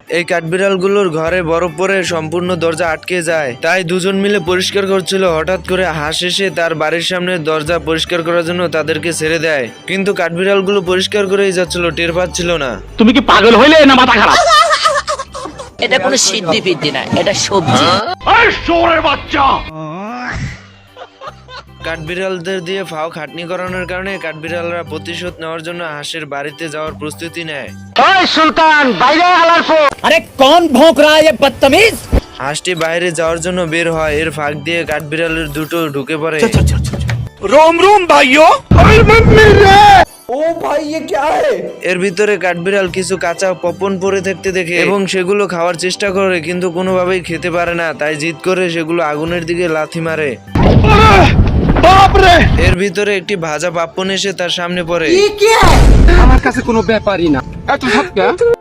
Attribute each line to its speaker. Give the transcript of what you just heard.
Speaker 1: এই কাঠবিড়ালগুলোর ঘরে বরফ পরে সম্পূর্ণ দরজা আটকে যায়। তাই দুজন মিলে পরিষ্কার করছিল। হঠাৎ করে হাঁস এসে তার বাড়ির সামনে দরজা পরিষ্কার করার জন্য তাদেরকে ছেড়ে দেয়, কিন্তু কাঠবিড়ালগুলো পরিষ্কার করেই যাচ্ছিল, টের পাচ্ছিল না।
Speaker 2: তুমি কি পাগল হইলে না মাথা খারাপ?
Speaker 3: এটা কোনো সিদ্ধি ফিদ্ধি না, এটা সবজি।
Speaker 2: বাচ্চা
Speaker 1: কাঠবিড়ালদের দিয়ে ফাও খাটনি করানোর কারণে কাঠবিড়ালরা প্রতিশোধ নেওয়ার জন্য হাঁসের বাড়িতে যাওয়ার প্রস্তুতি নেয়।
Speaker 2: ওই সুলতান বাইরে আলার ফো।
Speaker 3: আরে কোন ভোঁক রা है ये बदतमीज?
Speaker 1: হাঁসটি বাইরে যাওয়ার জন্য বের হয়, এর ফাঁক দিয়ে কাঠবিড়ালের দুটো ঢুকে পড়ে।
Speaker 2: रोम रोम भाइयों।
Speaker 1: এর ভিতরে কাঠবিড়াল কিছু কাঁচা পপন পড়ে থাকতে দেখে এবং সেগুলো খাওয়ার চেষ্টা করে, কিন্তু কোনোভাবেই খেতে পারে না। তাই জিদ করে সেগুলো আগুনের দিকে লাথি মারে। এর ভিতরে একটি ভাজা পাপ্পন এসে তার সামনে পড়ে।
Speaker 4: আমার কাছে কোনো ব্যাপারই না, এত সব